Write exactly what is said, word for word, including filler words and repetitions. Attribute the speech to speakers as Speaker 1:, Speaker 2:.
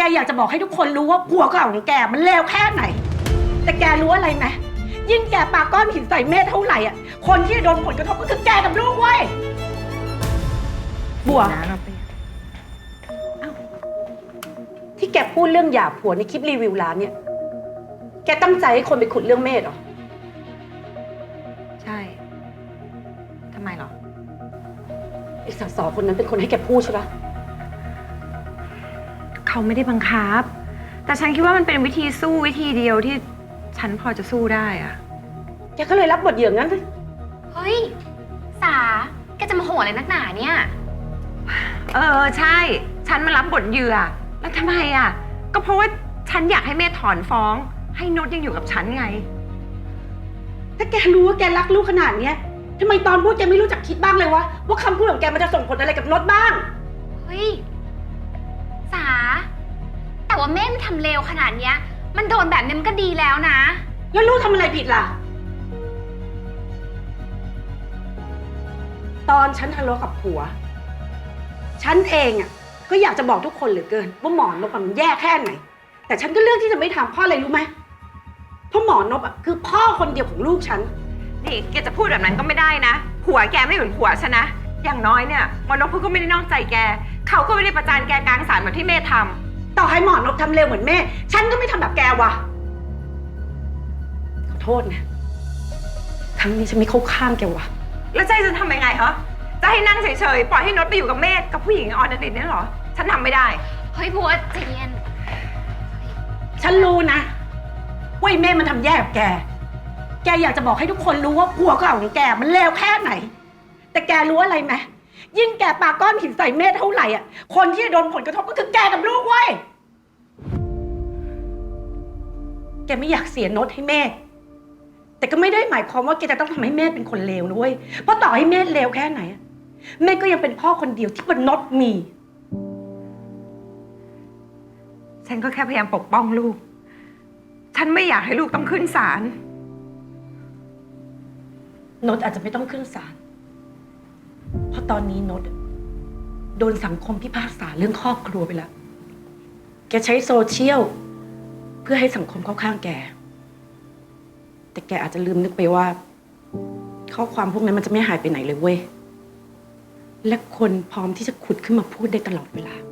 Speaker 1: กอยากจะบอกให้ทุกคนรู้ว่าผัวเก่าของแกมันเลวแค่ไหนแต่แกรู้อะไรไหมยิ่งแกปาก้อนหินใส่เมธเท่าไหร่อ่ะคนที่โดนผลกระทบก็คือแกกับลูกเว้ยบัวที่แกพูดเรื่องหย่าผัวในคลิปรีวิวร้านเนี่ยแกตั้งใจให้คนไปขุดเรื่องเมธเหรอ
Speaker 2: ใช่ทำไมหรอ
Speaker 1: ไอ้สสคนนั้นเป็นคนให้แกพูดใช่ปะ
Speaker 2: เขาไม่ได้บังคับแต่ฉันคิดว่ามันเป็นวิธีสู้วิธีเดียวที่ฉันพอจะสู้ได้อะ
Speaker 1: แกก็เลยรับบทเหยื่องั้นเลย
Speaker 3: เฮ้ยสาแกจะมาโหอะไรนักหนาเนี่ย
Speaker 2: เออใช่ฉันมารับบทเหยื่อแล้วทำไมอ่ะก็เพราะว่าฉันอยากให้เมธถอนฟ้องให้นุชยังอยู่กับฉันไง
Speaker 1: ถ้าแกรู้ว่าแกรักลูกขนาดเนี้ยทำไมตอนพูดแกไม่รู้จักคิดบ้างเลยวะว่าคำพูดของแกมันจะส่งผลอะไรกับนุชบ้าง
Speaker 3: เฮ้ยสาแต่ว่าแม่มันทำเลวขนาดเนี้ยมันโดนแบบนี้มันก็ดีแล้วนะ
Speaker 1: แล้วลูกทำอะไรผิดล่ะตอนฉันทะเลาะกับผัวฉันเองอ่ะก็อยากจะบอกทุกคนเหลือเกินว่าหมอนพมันแย่แค่ไหนแต่ฉันก็เลือกที่จะไม่ทำเพราะอะไรรู้ไหมเพราะหมอนพอ่ะคือพ่อคนเดียวของลูกฉัน
Speaker 2: นี่แกจะพูดแบบนั้นก็ไม่ได้นะผัวแกไม่เหมือนผัวฉันนะอย่างน้อยเนี่ยหมอนพก็ไม่ได้นอกใจแกเขาก็ไม่ได้ประจานแกกลางศาลเหมือนที่เมธทำ
Speaker 1: ต่อให้หมอนพทำเร็วเหมือนแม่ฉันก็ไม่ทำแบบแกว่ะขอโทษนะครั้งนี้ฉันไม่เข้าข้างแกว่ะ
Speaker 2: แล้วใจฉันทำยังไงฮะจะให้นั่งเฉยๆปล่อยให้นดไปอยู่กับเมธกับผู้หญิงออนดิตเนี่ยเหรอฉันทำไม่ได้
Speaker 3: เฮ้ยบัวใจเย็น
Speaker 1: ฉันรู้นะว่าไอ้เมธมันทำแย่กับแกแกอยากจะบอกให้ทุกคนรู้ว่าผัวเก่าของแกมันเลวแค่ไหนแต่แกรู้อะไรไหมยิ่งแกปาก้อนหินใส่เมธเท่าไหร่อ่ะคนที่โดนผลกระทบก็คือแกกับลูกเว้ยแกไม่อยากเสียโน้ตให้เมธแต่ก็ไม่ได้หมายความว่าแกจะต้องทำให้เมธเป็นคนเลวนะเว้ยเพราะต่อให้เมธเลวแค่ไหนเมธก็ยังเป็นพ่อคนเดียวที่บนโน้ตมี
Speaker 2: ฉันก็แค่พยายามปกป้องลูกฉันไม่อยากให้ลูกต้องขึ้นศาล
Speaker 1: โน้ตอาจจะไม่ต้องขึ้นศาลเพราะตอนนี้โน้ตโดนสังคมพิพากษาเรื่องครอบครัวไปแล้วแกใช้โซเชียลเพื่อให้สังคมเข้าข้างแกแต่แกอาจจะลืมนึกไปว่าข้อความพวกนั้นมันจะไม่หายไปไหนเลยเว้ยและคนพร้อมที่จะขุดขึ้นมาพูดได้ตลอดเวลา